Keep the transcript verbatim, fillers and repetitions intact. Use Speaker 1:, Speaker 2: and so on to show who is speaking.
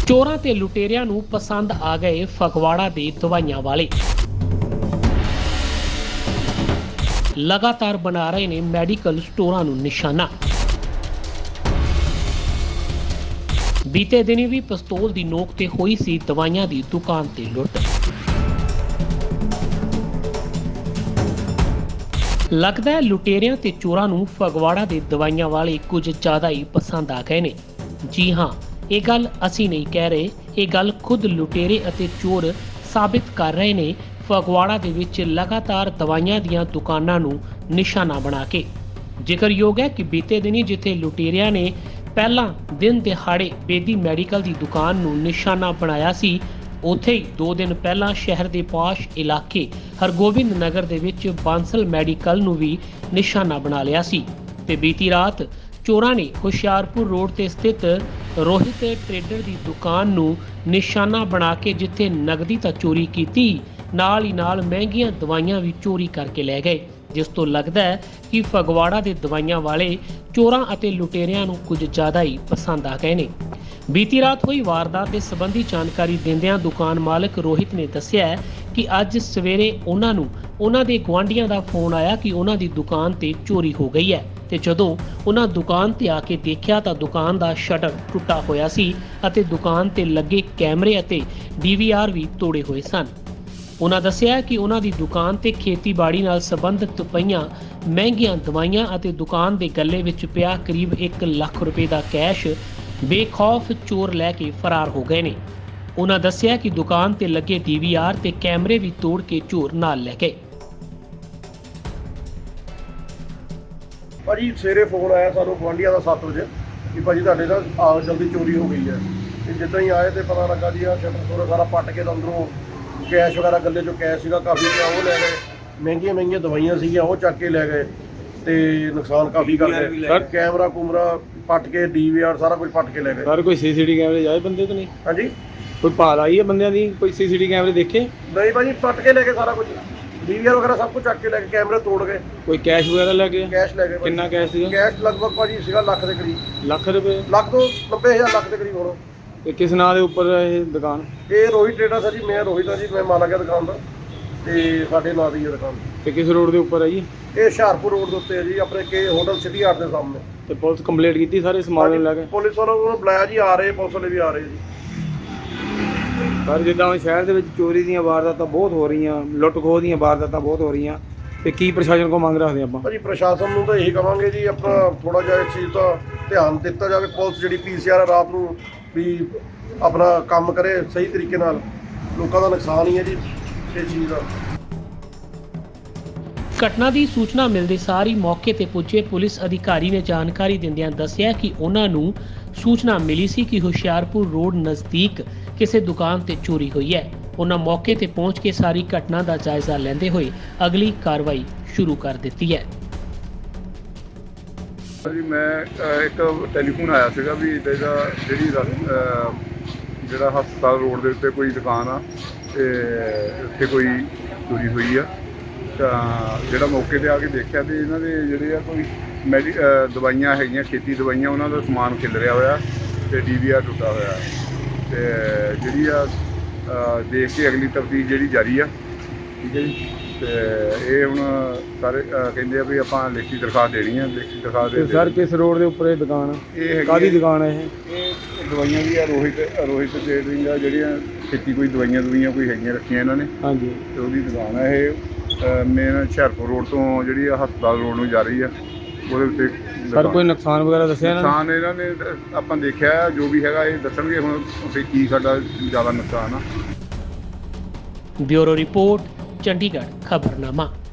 Speaker 1: ਚੋਰਾਂ ਤੇ ਲੁਟੇਰਿਆਂ ਨੂੰ ਪਸੰਦ ਆ ਗਏ ਫਗਵਾੜਾ ਦੇ ਦਵਾਈਆਂ ਵਾਲੇ। ਲਗਾਤਾਰ ਬਣਾ ਰਹੇ ਨੇ ਮੈਡੀਕਲ ਸਟੋਰਾਂ ਨੂੰ ਨਿਸ਼ਾਨਾ। ਬੀਤੇ ਦਿਨੀ ਵੀ ਪਿਸਤੌਲ ਦੀ ਨੋਕ ਤੇ ਹੋਈ ਸੀ ਦਵਾਈਆਂ ਦੀ ਦੁਕਾਨ ਤੇ ਲੁੱਟ। ਲੱਗਦਾ ਹੈ ਲੁਟੇਰਿਆਂ ਤੇ ਚੋਰਾਂ ਨੂੰ ਫਗਵਾੜਾ ਦੇ ਦਵਾਈਆਂ ਵਾਲੇ ਕੁਝ ਜ਼ਿਆਦਾ ਹੀ ਪਸੰਦ ਆ ਗਏ ਨੇ। ਜੀ ਹਾਂ, ਇਹ ਗੱਲ ਅਸੀਂ ਨਹੀਂ ਕਹਿ ਰਹੇ, ਇਹ ਗੱਲ ਖੁਦ ਲੁਟੇਰੇ ਅਤੇ ਚੋਰ ਸਾਬਿਤ ਕਰ ਰਹੇ ਨੇ ਫਗਵਾੜਾ ਦੇ ਵਿੱਚ ਲਗਾਤਾਰ ਦਵਾਈਆਂ ਦੀਆਂ ਦੁਕਾਨਾਂ ਨੂੰ ਨਿਸ਼ਾਨਾ ਬਣਾ ਕੇ। ਜ਼ਿਕਰਯੋਗ ਹੈ ਕਿ ਬੀਤੇ ਦਿਨੀ ਜਿੱਥੇ ਲੁਟੇਰਿਆਂ ਨੇ ਪਹਿਲਾਂ ਦਿਨ ਦਿਹਾੜੇ ਬੇਦੀ ਮੈਡੀਕਲ ਦੀ ਦੁਕਾਨ ਨੂੰ ਨਿਸ਼ਾਨਾ ਬਣਾਇਆ ਸੀ, ਉੱਥੇ ਹੀ ਦੋ ਦਿਨ ਪਹਿਲਾਂ ਸ਼ਹਿਰ ਦੇ ਪਾਸ਼ ਇਲਾਕੇ ਹਰਗੋਬਿੰਦ ਨਗਰ ਦੇ ਵਿੱਚ ਬਾਂਸਲ ਮੈਡੀਕਲ ਨੂੰ ਵੀ ਨਿਸ਼ਾਨਾ ਬਣਾ ਲਿਆ ਸੀ ਤੇ ਬੀਤੀ ਰਾਤ ਚੋਰਾਂ ਨੇ ਹੁਸ਼ਿਆਰਪੁਰ ਰੋਡ ਤੇ ਸਥਿਤ ਰੋਹਿਤ ਟ੍ਰੇਡਰ ਦੀ ਦੁਕਾਨ ਨੂੰ ਨਿਸ਼ਾਨਾ ਬਣਾ ਕੇ ਜਿੱਥੇ ਨਗਦੀ ਤਾਂ ਚੋਰੀ ਕੀਤੀ, ਨਾਲ ਹੀ ਨਾਲ ਮਹਿੰਗੀਆਂ ਦਵਾਈਆਂ ਵੀ ਚੋਰੀ ਕਰਕੇ ਲੈ ਗਏ, ਜਿਸ ਤੋਂ ਲੱਗਦਾ ਹੈ ਕਿ ਫਗਵਾੜਾ ਦੇ ਦਵਾਈਆਂ ਵਾਲੇ ਚੋਰਾਂ ਅਤੇ ਲੁਟੇਰਿਆਂ ਨੂੰ ਕੁਝ ਜ਼ਿਆਦਾ ਹੀ ਪਸੰਦ ਆ ਗਏ ਨੇ। ਬੀਤੀ ਰਾਤ ਹੋਈ ਵਾਰਦਾਤ ਦੇ ਸੰਬੰਧੀ ਜਾਣਕਾਰੀ ਦਿੰਦਿਆਂ ਦੁਕਾਨ ਮਾਲਕ ਰੋਹਿਤ ਨੇ ਦੱਸਿਆ ਕਿ ਅੱਜ ਸਵੇਰੇ ਉਹਨਾਂ ਨੂੰ ਉਹਨਾਂ ਦੇ ਗੁਆਂਢੀਆਂ ਦਾ ਫੋਨ ਆਇਆ ਕਿ ਉਹਨਾਂ ਦੀ ਦੁਕਾਨ ਤੇ ਚੋਰੀ ਹੋ ਗਈ ਹੈ ਤੇ ਜਦੋਂ ਉਹਨਾਂ ਦੁਕਾਨ ਤੇ ਆ ਕੇ ਦੇਖਿਆ ਤਾਂ ਦੁਕਾਨ ਦਾ ਸ਼ਟਰ ਟੁੱਟਾ ਹੋਇਆ ਸੀ ਅਤੇ ਦੁਕਾਨ ਤੇ ਲੱਗੇ ਕੈਮਰੇ ਅਤੇ ਡੀ ਵੀ ਆਰ ਵੀ ਤੋੜੇ ਹੋਏ ਸਨ। ਉਹਨਾਂ ਦੱਸਿਆ ਕਿ ਉਹਨਾਂ ਦੀ ਦੁਕਾਨ ਤੇ ਖੇਤੀਬਾੜੀ ਨਾਲ ਸੰਬੰਧਿਤ ਪਈਆਂ ਮਹਿੰਗੀਆਂ ਦਵਾਈਆਂ ਅਤੇ ਦੁਕਾਨ ਦੇ ਗੱਲੇ ਵਿੱਚ ਪਿਆ ਕਰੀਬ ਇੱਕ ਲੱਖ ਰੁਪਏ ਦਾ ਕੈਸ਼ ਬੇਖੌਫ ਚੋਰ ਲੈ ਕੇ ਫਰਾਰ ਹੋ ਗਏ ਨੇ। ਉਹਨਾਂ ਦੱਸਿਆ ਕਿ ਦੁਕਾਨ ਤੇ ਲੱਗੇ ਡੀ ਵੀ ਆਰ ਤੇ ਕੈਮਰੇ ਵੀ ਤੋੜ ਕੇ ਚੋਰ ਨਾਲ ਲੈ ਗਏ।
Speaker 2: ਭਾਜੀ ਸਵੇਰੇ ਫੋਨ ਆਇਆ ਸਾਨੂੰ ਗੁਆਂਢੀਆਂ ਦਾ ਸੱਤ ਵਜੇ ਕਿ ਭਾਜੀ ਤੁਹਾਡੇ ਨਾਲ ਆ ਜਲਦੀ ਚੋਰੀ ਹੋ ਗਈ ਹੈ। ਤੇ ਜਿੱਦਾਂ ਹੀ ਆਏ ਤੇ ਪਤਾ ਲੱਗਾ ਜੀ ਆ ਸ਼ਟਰ ਥੋੜਾ ਸਾਰਾ ਪੱਟ ਕੇ ਅੰਦਰੋਂ ਕੈਸ਼ ਵਗੈਰਾ ਗੱਲੇ ਚੋਂ ਕੈਸ਼ ਸੀਗਾ ਕਾਫੀ ਪਿਆ, ਉਹ ਲੈ ਗਏ। ਮਹਿੰਗੀਆਂ ਮਹਿੰਗੀਆਂ ਦਵਾਈਆਂ ਸੀਗੀਆਂ ਉਹ ਚੱਕ ਕੇ ਲੈ ਗਏ ਤੇ ਨੁਕਸਾਨ ਕਾਫੀ ਕਰ ਗਏ। ਸਰ ਕੈਮਰਾ ਕੁਮਰਾ ਪੱਟ ਕੇ ਡੀ ਵੀ ਆਰ ਸਾਰਾ ਕੁਝ ਪੱਟ ਕੇ ਲੈ ਗਏ।
Speaker 3: ਸਰ ਕੋਈ ਸੀ ਸੀ ਟੀ ਵੀ ਕੈਮਰੇ ਜਾਏ ਬੰਦੇ ਤੋਂ ਨਹੀਂ?
Speaker 2: ਹਾਂਜੀ
Speaker 3: ਕੋਈ ਭਾਲ ਆਈ ਹੈ ਬੰਦਿਆਂ ਦੀ? ਕੋਈ ਸੀ ਸੀ ਟੀ ਵੀ ਕੈਮਰੇ ਦੇਖੇ?
Speaker 2: ਨਹੀਂ ਭਾਜੀ ਪੱਟ ਕੇ ਲੈ ਗਏ ਸਾਰਾ ਕੁਝ, ਡੀ ਵੀ ਆਰ ਵਗੈਰਾ ਸਭ ਕੁਝ ਚੱਕ ਕੇ ਲੈ ਕੇ ਕੈਮਰੇ ਤੋੜ ਗਏ।
Speaker 3: ਕੋਈ ਕੈਸ਼ ਵਗੈਰਾ ਲੈ ਗਏ?
Speaker 2: ਕੈਸ਼ ਲੈ ਗਏ।
Speaker 3: ਕਿੰਨਾ ਕੈਸ਼ ਸੀਗਾ?
Speaker 2: ਕੈਸ਼ ਲਗਭਗ ਭਾਜੀ ਸੀਗਾ ਲੱਖ ਦੇ ਕਰੀਬ।
Speaker 3: ਲੱਖ ਰੁਪਏ?
Speaker 2: ਲੱਖ ਤੋਂ ਨੱਬੇ ਹਜ਼ਾਰ ਲੱਖ ਦੇ ਕਰੀਬ ਹੋਣਾ।
Speaker 3: ਤੇ ਕਿਸ ਨਾਂ ਦੇ ਉੱਪਰ ਇਹ ਦੁਕਾਨ?
Speaker 2: ਇਹ ਰੋਹਿਤ ਟ੍ਰੇਡਰ ਸਰ ਜੀ, ਮੈਂ ਰੋਹਿਤ ਹਾਂ ਜੀ, ਮੈਂ ਮਾਲਕ ਹਾਂ ਦੁਕਾਨ ਦਾ ਤੇ ਸਾਡੇ ਨਾਂ ਦੀ ਹੈ ਦੁਕਾਨ।
Speaker 3: ਤੇ ਕਿਸ ਰੋਡ ਦੇ ਉੱਪਰ ਹੈ ਜੀ?
Speaker 2: ਇਹ ਹੁਸ਼ਿਆਰਪੁਰ ਰੋਡ ਦੇ ਉੱਤੇ ਹੈ ਜੀ, ਆਪਣੇ ਕੇ ਹੋਟਲ ਸਿਟੀ ਆਰਟ ਦੇ ਸਾਹਮਣੇ।
Speaker 3: ਤੇ ਪੁਲਿਸ ਕੰਪਲੇਂਟ ਕੀਤੀ ਸਾਰੇ ਸਮਾਨ ਨੂੰ ਲੈ ਕੇ?
Speaker 2: ਪੁਲਿਸ ਵਾਲਿਆਂ ਨੂੰ ਬੁਲਾਇਆ ਜੀ, ਆ ਰਹੇ ਪੁਲਿਸ ਵਾਲੇ ਵੀ ਆ ਰਹੇ ਜੀ।
Speaker 3: ਪਰ ਜਿੱਦਾਂ ਹੁਣ ਸ਼ਹਿਰ ਦੇ ਵਿੱਚ ਚੋਰੀ ਦੀਆਂ ਵਾਰਦਾਤਾਂ ਬਹੁਤ ਹੋ ਰਹੀਆਂ, ਲੁੱਟ ਖੋਹ ਦੀਆਂ ਵਾਰਦਾਤਾਂ ਬਹੁਤ ਹੋ ਰਹੀਆਂ, ਤੇ ਕੀ ਪ੍ਰਸ਼ਾਸਨ ਕੋਲ ਮੰਗ ਰੱਖਦੇ ਆਪਾਂ?
Speaker 2: ਭਾਜੀ ਪ੍ਰਸ਼ਾਸਨ ਨੂੰ ਤਾਂ ਇਹੀ ਕਵਾਂਗੇ ਜੀ, ਆਪਣਾ ਥੋੜਾ ਜਿਹਾ ਇਸ ਚੀਜ਼ ਦਾ ਧਿਆਨ ਦਿੱਤਾ ਜਾਵੇ। ਪੁਲਿਸ ਜਿਹੜੀ ਪੀ ਸੀ ਆਰ ਰਾਤ ਨੂੰ ਵੀ ਆਪਣਾ ਕੰਮ ਕਰੇ ਸਹੀ ਤਰੀਕੇ ਨਾਲ, ਲੋਕਾਂ ਦਾ ਨੁਕਸਾਨ ਹੀ ਹੈ ਜੀ ਇਸ ਚੀਜ਼ ਦਾ।
Speaker 1: ਘਟਨਾ ਦੀ ਸੂਚਨਾ ਮਿਲਦੇ ਸਾਰ ਹੀ ਮੌਕੇ ਤੇ ਪੁੱਜੇ ਪੁਲਿਸ ਅਧਿਕਾਰੀ ਨੇ ਜਾਣਕਾਰੀ ਦਿੰਦਿਆਂ ਦੱਸਿਆ ਕਿ ਉਹਨਾਂ ਨੂੰ ਸੂਚਨਾ ਮਿਲੀ ਸੀ ਕਿ ਹੁਸ਼ਿਆਰਪੁਰ ਰੋਡ ਨਜ਼ਦੀਕ ਕਿਸੇ ਦੁਕਾਨ ਤੇ ਚੋਰੀ ਹੋਈ ਹੈ। ਉਹਨਾਂ ਮੌਕੇ ਤੇ ਪਹੁੰਚ ਕੇ ਸਾਰੀ ਘਟਨਾ ਦਾ ਜਾਇਜ਼ਾ ਲੈਂਦੇ ਹੋਏ ਅਗਲੀ ਕਾਰਵਾਈ ਸ਼ੁਰੂ ਕਰ ਦਿੱਤੀ ਹੈ।
Speaker 4: ਜੀ ਮੈਂ ਇੱਕ ਟੈਲੀਫੋਨ ਆਇਆ ਸੀਗਾ ਵੀ ਇਹਦਾ ਜਿਹੜੀ ਜਿਹੜਾ ਹਸਪਤਾਲ ਰੋਡ ਦੇ ਉੱਤੇ ਕੋਈ ਦੁਕਾਨ ਆ ਤੇ ਉੱਥੇ ਕੋਈ ਚੋਰੀ ਹੋਈ ਆ। ਤਾਂ ਜਿਹੜਾ ਮੌਕੇ 'ਤੇ ਆ ਕੇ ਦੇਖਿਆ ਤੇ ਇਹਨਾਂ ਦੇ ਜਿਹੜੇ ਆ ਕੋਈ ਮੈਡੀ ਦਵਾਈਆਂ ਹੈਗੀਆਂ, ਖੇਤੀ ਦਵਾਈਆਂ, ਉਹਨਾਂ ਦਾ ਸਮਾਨ ਖਿਲਰਿਆ ਹੋਇਆ ਤੇ ਡੀ ਵੀ ਆਰ ਟੁੱਟਾ ਹੋਇਆ ਤੇ ਜਿਹੜੀ ਆ ਦੇਖ ਕੇ ਅਗਲੀ ਤਫਤੀਸ਼ ਜਿਹੜੀ ਜਾਰੀ ਆ। ਠੀਕ ਹੈ ਜੀ। ਤੇ ਇਹ ਹੁਣ ਸਾਰੇ ਕਹਿੰਦੇ ਆ ਵੀ ਆਪਾਂ ਲਿਖਤੀ ਦਰਖਾਸਤ ਦੇਣੀ ਆ। ਲਿਖਤੀ ਦਰਖਾਸਤ ਦੇ
Speaker 3: ਸਰ ਕਿਸ ਰੋਡ ਦੇ ਉੱਪਰ ਇਹ ਦੁਕਾਨ?
Speaker 4: ਇਹ
Speaker 3: ਕਾਹਦੀ ਦੁਕਾਨ ਹੈ ਇਹ?
Speaker 4: ਇਹ ਦਵਾਈਆਂ ਦੀ ਆ, ਰੋਹਿਤ ਰੋਹਿਤ ਟ੍ਰੇਡਿੰਗ ਆ, ਜਿਹੜੀਆਂ ਖੇਤੀ ਕੋਈ ਦਵਾਈਆਂ ਦੁਵਾਈਆਂ ਕੋਈ ਹੈਗੀਆਂ ਰੱਖੀਆਂ ਇਹਨਾਂ ਨੇ। ਹਾਂਜੀ। ਤੇ ਉਹਦੀ ਦੁਕਾਨ ਆ ਇਹ। ਮੇਨ ਹੁਸ਼ਿਆਰਪੁਰ ਰੋਡ ਤੋਂ ਜਿਹੜੀ ਆ ਹਸਪਤਾਲ ਰੋਡ ਨੂੰ ਜਾ ਰਹੀ ਆ, ਉਹਦੇ ਉੱਤੇ।
Speaker 3: ਸਰ ਕੋਈ ਨੁਕਸਾਨ ਵਗੈਰਾ ਦੱਸਿਆ ਇਹਨਾਂ ਨੇ?
Speaker 4: ਨੁਕਸਾਨ ਇਹਨਾਂ ਨੇ ਆਪਾਂ ਦੇਖਿਆ, ਜੋ ਵੀ ਹੈਗਾ ਇਹ ਦੱਸਣਗੇ ਹੁਣ ਉੱਥੇ ਕੀ ਸਾਡਾ ਜ਼ਿਆਦਾ ਨੁਕਸਾਨ ਆ।
Speaker 1: Bureau report, Chandigarh ਖਬਰਨਾਮਾ।